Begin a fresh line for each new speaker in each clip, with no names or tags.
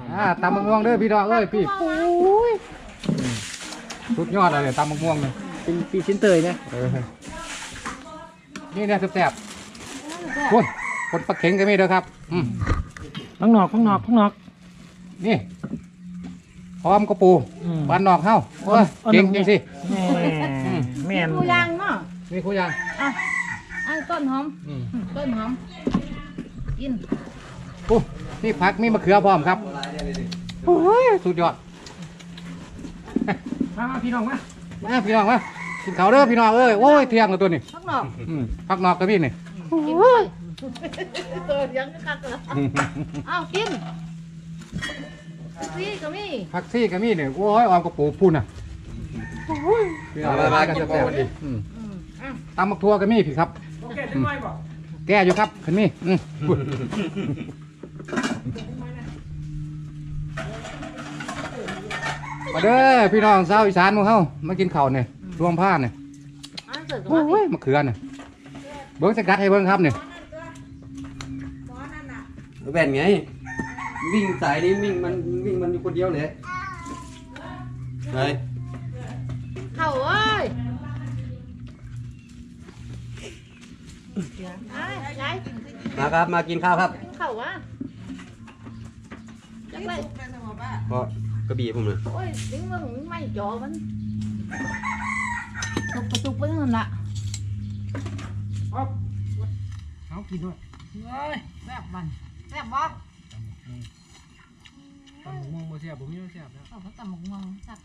ตำมะม่วงเด้อพี่น้องเอ้ยพี่สุดยอดเลยตำมะม่วงเลย
เป็นปีชิ้นเตยนะ
นี่เนี่ยแซ่บๆคนปลาเข็งก็มีเด้อครับ
ข้างนอก
นี่พร้อมกระปูบ้านนอกเฮ้าเก่งจริงสิ
แม่น
คู่ยางเนาะ
นี่คู่ยาง
ต้นหอมกิน
นี่ผักมีมะเขือพร้อมครับโอ้ยสุดยอด
มาพี่น้องมา
พี่น้องมากินข้าวเด้อพี่น้องเอ้ยโอ้ยเที่ยงแล้วตัวนี้ผักนอกก็มีนี่
กินตัวยังกักเลยกิน
ผักซี่ก็มีเนี่ยโอ้ยออมกระปูพูนน่ะมากันจะแซ่บดีตำมักทั่วก็มีพี่ครับแก่อยู่ครับคันนี้มาเด้อพี่น้องชาวอีสานมึงเฮ้ามากินข้าวเนี่ยรวมผ้าเนี่ยโอ้ยมะเขือเนี่ยเบิ้งสกัดให้เบิ้งครับเนี่ย
แบ่นไงวิ่งสายนี้วิ่งมันอยู่คนเดียวเลยไป
เข้าเอ้ย
มาครับมากินข้าวครับ
เข้าวะจังเลย
เพราะกระบี่ผมเลย
โอ้ยถึงมึงไม่จ่อมันตุกไปนั่นละ
เอากินด้วย
แซ่บมันแซ่บบ่
ตำหมกม่วงโมเสียผมไม่เสียบแล้ว
เขาตำหมกม่วงแซ่บ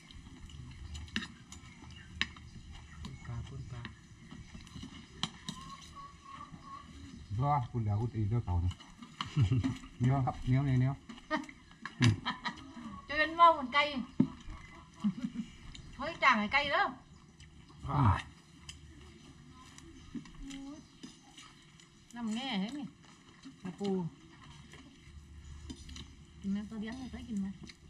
ปลาร
อคุณเดี๋ยวคุณตีด้วยเขาเนี่ยเนี้ยครับเนี้ยเลยเนี้ย
จะเป็นว่าเหมือนไก่เฮ้ยจ่างไก่เด้อน้ำแง่เห็นไหมกระปูกินไหมตัวเลี้ยงเคยกินไหม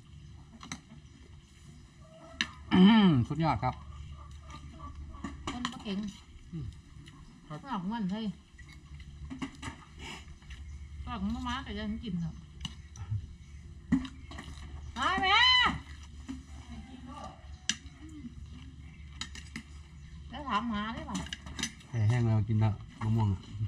สุดยอดครับ
คนปลาเก่งก็ออกมันให้ก็ออกมาแต่ยังกินเหรอไอ้แม่แล้วถามหาได้ป่ะ
แห้งเรากินแล้วมะม่วง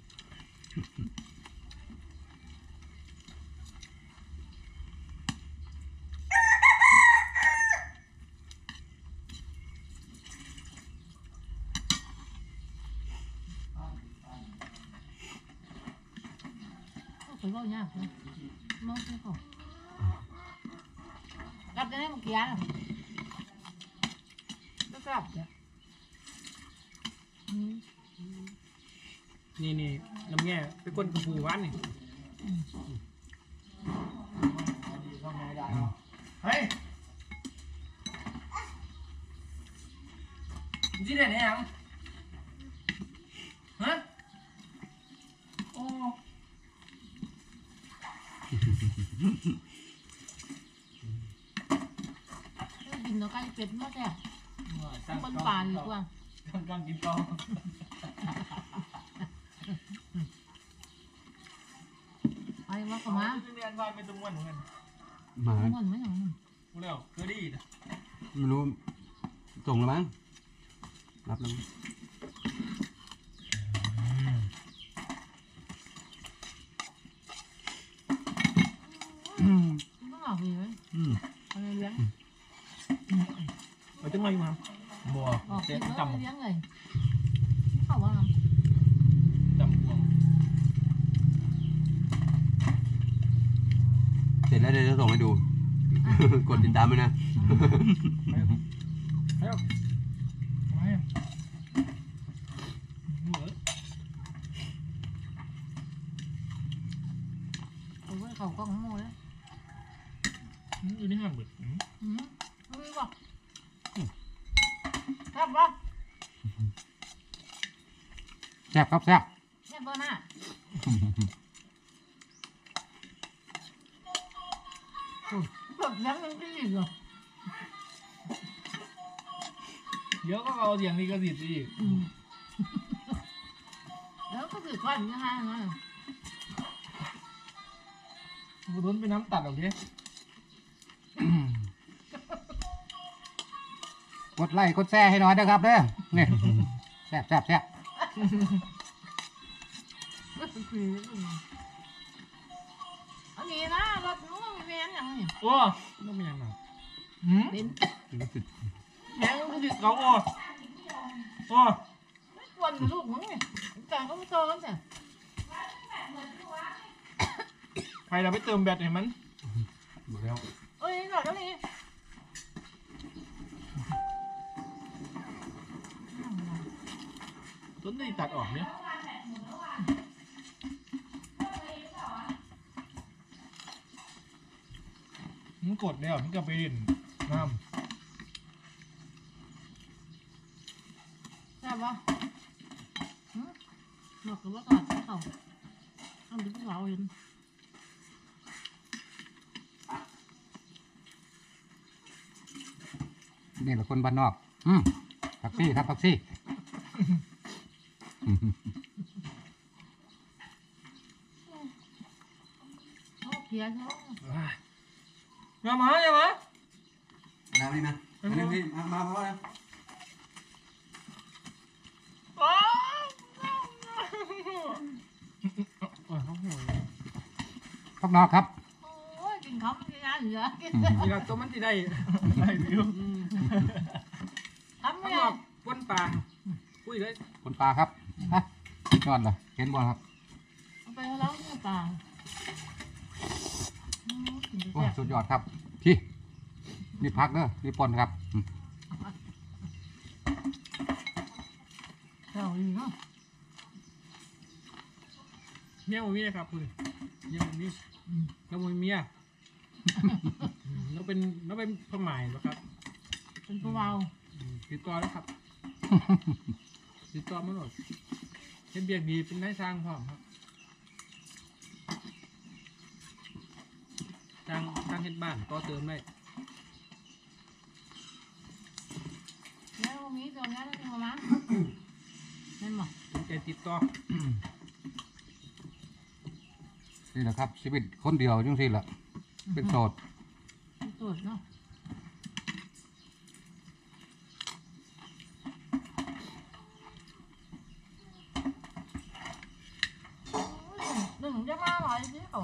ไปบ่อยากเลยมองไม่ออกรับได้ไหมเมื่อกี้ก็กลับเนี่ย
นี่น้ำแง่ไปก้นกระปูหวานนี่เฮ้ยจีเด็ดเนี่ยยังฮะโอ้
กินตัวไก่เป็ดมากแค่บนป่าดีกว่า
ต้องกินต่อ
ไปว่าเขามา
เรียนไปเป็นตัวม้วนเหมือนกัน
มา
ม้วนไม่หรอ
กูเร็วเคยดีนะ
ไม่รู้ส่งแล้วมั้งรับแล้ว
ต้องออกดีไหมอะไรเลี้ยง
เราจะมาอยู่มั้งบัว
เลี้ยงเลยเขาว่า
จำบัว
เสร็จแล้วเดี๋ยวจะส่งให้ดูกดติดตามไว้นะ
เขาก็ของโมแล้ว
อยู่นี่ห้ามเบิด
ไม่บอกครับว่า
แซ่บครับแซ่บ
แซ่บเบอร์หน้าแบบยังไม่ดีเหรอ
เดี๋ยวก็เอาเสียงนี้ก็สิสิ
แล้วก็ถือก้อนยังไงนะ
บุรุษไปน้ำตัดออกดิ
กดไลค์กดแชร์ให้หน่อยนะครับเด้อนี่แซ่บแซ่บแซ่บ
อันนี้นะรถนู้นมีแมนอย่างนี้
โอ้ไม่เป็นยังไง
เป็น
แม่งก็ติดเขาโอ้โอ้
ไม่ควรลูกมึงนี่แต่ก็ไม่โตกันแต่
ใครเราไปเติมแบตให้มัน
หมดแล้ว
เอ้ยหน่อยแล้วนี่
ต้นได้ตัดออกเนี่ยมันกดแล้วมันก็ไปเด่นน้
ใช่ปะหนอกกับว่าก่อนเขาทำเป็นพวกเราเห็น
นี่แหละคนบ้านนอกผักซี่ครับผักซี่
เขาเพี้ยนเขา
ำอย่ามาอย่ามา
น้ำนี่นะอันนี้พี่มาเพราะอะไร
อ้าว
พักนอกครับ
โอ้ยกินเขาไม่ได้เหลือกิน
นี่เราตัวมันที่ได้ได้วิว
ทำไม่
ข้างน
ได้
อกก้นปลาคุยเลย
คนปลาครับฮะยอดเลยเห็นบอลครับ
เอาไปแล้วเนี่ยป่ากิน
โอ้
แซ่บ
สุดยอดครับพี่นี่พักเด้อนี่ปนครับ
เจ้าอีเนาะ
เมียมันมีนะครับคุณเมียมันมีแล้วมันเมียเราเป็นพม่ายนะครับ
เป็นพวกเรา
ติดต่อแล้วครับ ติดต่อมาหมดเห็นเบียกดีเป็นนายสร้างพร้อมครับสร้างเฮ็ดบ้านต่อเติมได้
แล้วมีตัวนี้แล้วตัวนั้นเห็นไหม
สนใจติดต่อ
นี่แหละครับชีวิตคนเดียวจังสิแหละเป็นโสด
สุดเนาะหนึ่งจะมาอะไรสิเขา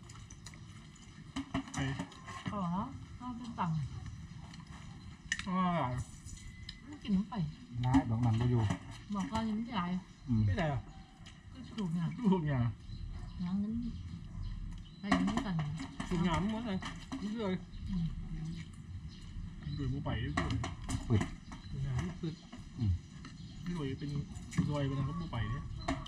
ไอ้
เขาเหรอเขาเป็นตังค์
ว่า
ไม่กินน้ำไป
ร้ายบอกมันก็อยู่
บอกว่ายังไม่ได้
ไม่ได้หรอ
ก็สูบเนี่ย
ทุกอย่าง
น้ำนั้นไปยังไม่กัน
ทุกอย่างหมดเลยเรื่อยๆดูไปเรื่อยๆ
ปิด
ทุกอย่างที่สุดรวยเป็นรวยเป็นอะไรก็ไปเนี่ย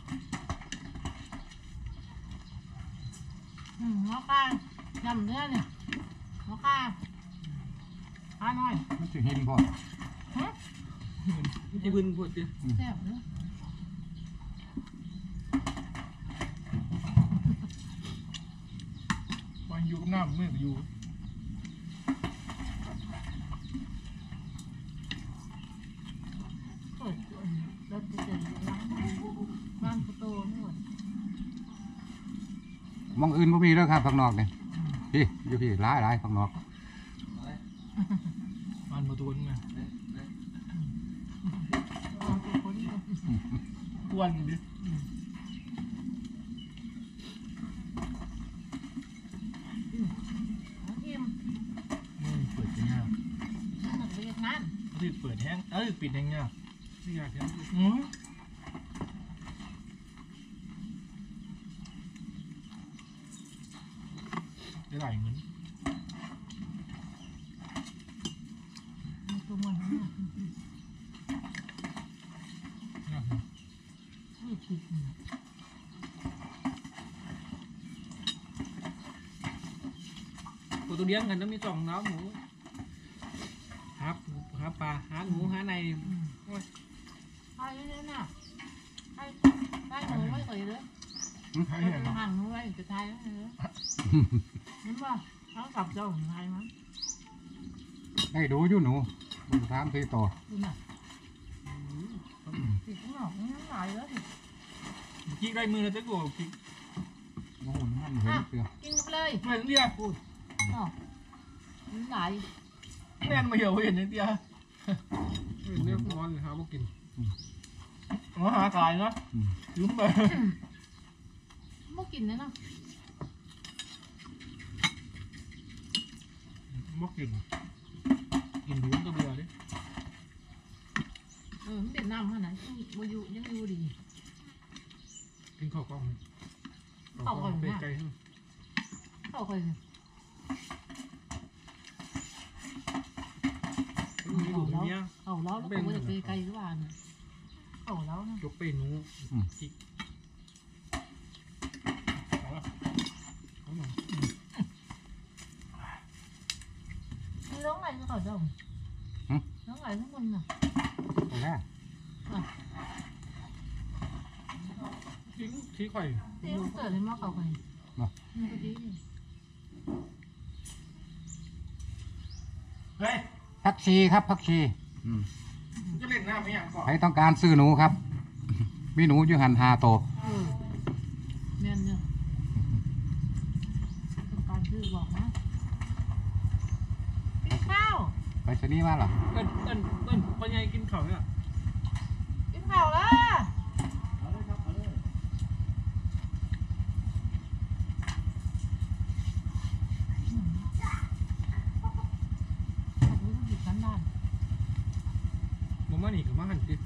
หัวข้าจำเนื้อเนี่ยหัวข้าข้าหน่อย
มันจะหินพอ
ที่พื้นพูดดิ
แซ่บเนื้อ
วันอยู่กับน้ำเมื่ออยู่
รถจะเจอร้านบ้านกุโตนี่หมด
มองอื่นบ่มีแล้วครับข้างนอกเนี่ยพี่อยู่พี่ร้ายข้างนอก
มันมาตัวนึงนะ
เอาไปคนเดียว
กวนดิ
เอาอิ่ม
เปิดยังไง
หนึ่งไปยังงาน
ที่เปิดแห้งปิดยังไงไม่อยากแห้งได้หลายเงิน
มีตัวมันเนี่ยไม่คิดเนี่ย
ตัวเลี้ยงกันต้องมี2น้ำหมูหาปลาหาหมูหาใน
ไอ้เนี่ยน่ะไอ้ได้หนูไม่เคยเลย
หา
ไอ้
อย่าง
ห่างหนูไว้จะทายแล้วเหรอนั่นว่าเขากลับเจ้าของไทยมั้ง
ได้ดูอยู่หนูดูถามทีต่อ
ดูน่ะติดข้างนอกนี่น้ำลายแล้วดิ
กิ๊กได้มือแล้วจะโกรธกิ๊ก
โอ้โหมันเห็นเสือ
กินไปเลย
เมื่อเรียก
อ๋อน้ำลาย
แน่นมาเหี่ยวเห็นเตี้ยเรียกนอนหาบ่กิน
มาหากายเนาะ
ลุ้มไป
ไม่กินเลยเนาะ
บ่กินกินดูมันก็เบื่อดิ
มันเป็นน้ำขนาดนั้นยังอยู่ดี
กินข้าวกล้องไปไกลๆ
เข้าไป
มีลูกเมีย
เอาแล้วแล้วก็ไปไกลหรือเปล่าเนี่ยเอาแล้วนะ
จกไปหนูจิกเอาละเอาหน่อย
มีร้องอะไรก็เขาดมร้องอะไรทั้งคนน่ะ
ตรงนี้
ทิ้งชี้ไข่
เตี้ยเกิดเลยมาเขาไปมันก็ดี
เฮ้ย
ผักชีครับผักชี
จะเล่นน้ำไม่อย่างก่อน
ใครต้องการซื้อหนูครับ มีหนูอยู่หัน5 ตัว
แม่นเนี่ยต้องการซื้อบอกนะกินข้าว
ไปชนีย์มาเหรอ
เอิ้นพ่อใหญ่กินข้าวเนี่ย
กินข้าวแล้ว
เอาเลยครับเอาเลย
หยิบกันด้าน
บ่มานี่ก็มาหั่นดิ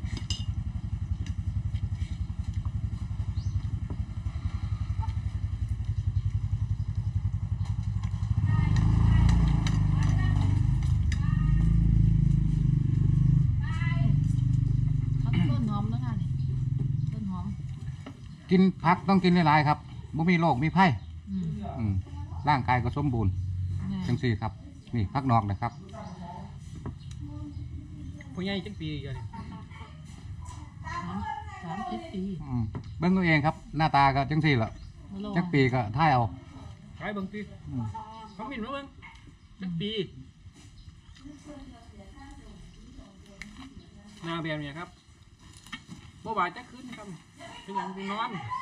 ต้นหอมแล้วค่ะนี่ต้นหอม
กินผักต้องกินหลายๆครับบ่มีโรคมีไผ่ร่างกายก็สมบูรณ์จังสี่ครับ นี่ผักนอกนะครับ
พ่อใหญ่จังปีกัน
30 ปี
เบิ่งตัวเองครับ หน้าตาก็จังสี่ละจักปีก็ท่ายเอา
ขายบางทีเขามินมาเบิ่งจังปีหน้าแบบเนี้ยครับบ่บาดจักขึ้นครับเป็นอย่างนอน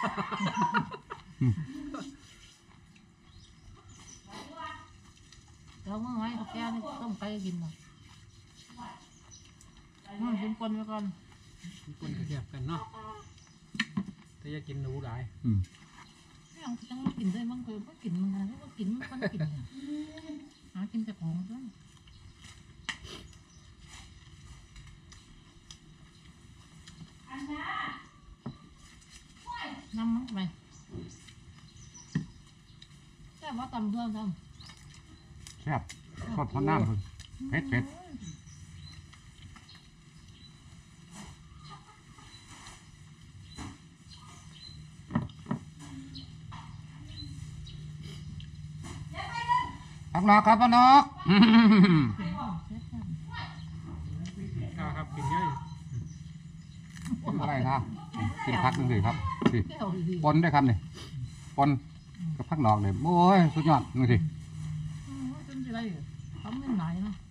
แล้วเมื่อไงเขาแก้นี่ต้มไก่กินหรอกินปนไปก่อน
คนก็เทียบกันเนาะแต่อย่ากินหนูหลาย
ยังไม่กินได้มั้งเคยก็กินมันนะก็กินมันกินเนี่ยหากินแต่ของด้วยน้ำมันไปแต่ว่าตำเพื่อนท
แซ่บทอดทอดน้ำเผ็ด ผักนอกครับผักนอก
ครับกินง่าย
อะไรครับกินผักจังสี่ครับสิ
ำแก้วดี
ปนด้วยครับนี่ปนกับผักนอกเนี่ยโอ้ยสุดยอดนี่สิ
เป็นอะไรเขาไม่ไหนเนาะ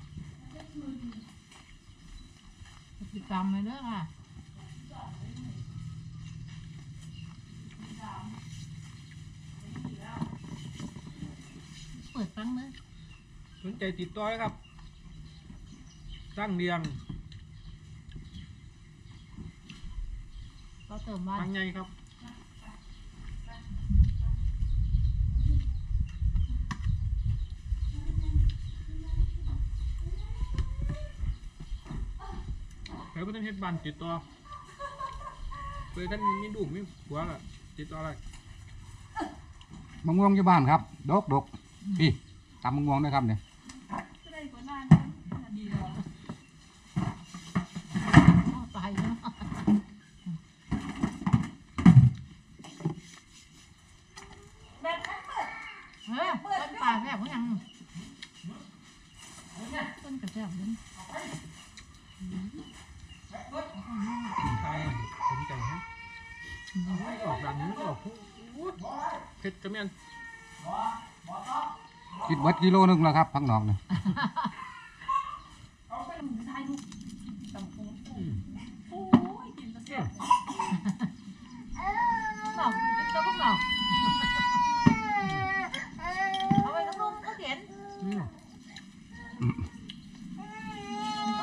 ติดตามเลยเด้อค่ะเปิดฟังเลย
สนใจติดต่อเลยครับตั้งเรียง
ก็เติมว่า
ตั้งใหญ่ครับใครบ่ทันเฮ็ดบ้านติดต่อเคยท่านมีลูกมีผัวล่ะติดต่ออะไร
มะม่วงอยู่บ้านครับดกพี่ตำมะม่วงด้วยครับเนี่ย
ตายแล้วต้นป่าแซ่บเขายังต้นกระแซ่บเลย
ใช่สนใจฮะออกดังนี้ออกเผ็ดจะแม่น
คิดเบิดกิโลนึงแล้วครับผักนอกเนี่ย
หนอกเป็นตัวพวกหนอกเอาไปน้ำนมก็เขียน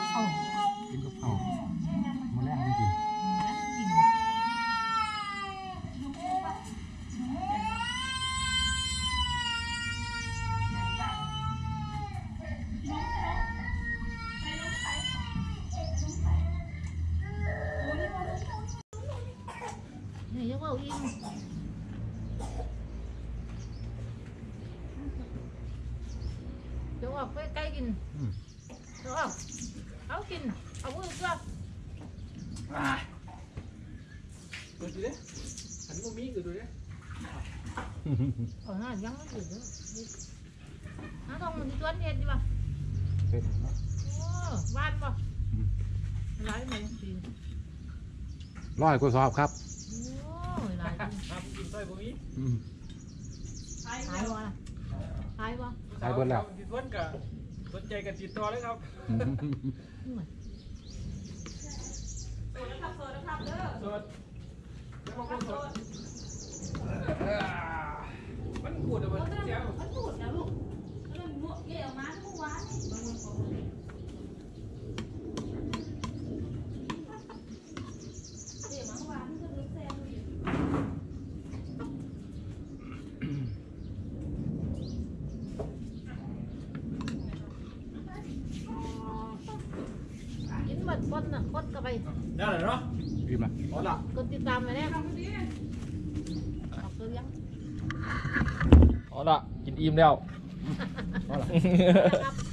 อกไปใกล้กินเอากินเอามือเสื้อ
ดูดิหันมุมมีดูดิ
หน้ายังไม่อยู่เลยน้าทองมันจะชวนเห็ดดีป่ะโอ้บ้านป่ะร้ายไหมดี
ร้อยกว่าสอบครับ
โอ้ยร้าย
ครับกินต้อยมุมมี
หายวะหายวะ
ขายเบิดแล้ว
ติดวันกับสนใจกันติดต่อเลยครับสดมันขูดอะมันเสียง
มันพูดนะลูกมันหมวกเกี่ยวมาทุกวันเดี๋ยวมาวันก็รู้แซวอยู่กินหมดคนน่ะคนก็ไป
ได้เลยเนาะ
อิ่มละ
เอาละ
กดติดตามไปแน่ออกตัวยัง
เอาละกินอิ่มแล้ว
นะครับ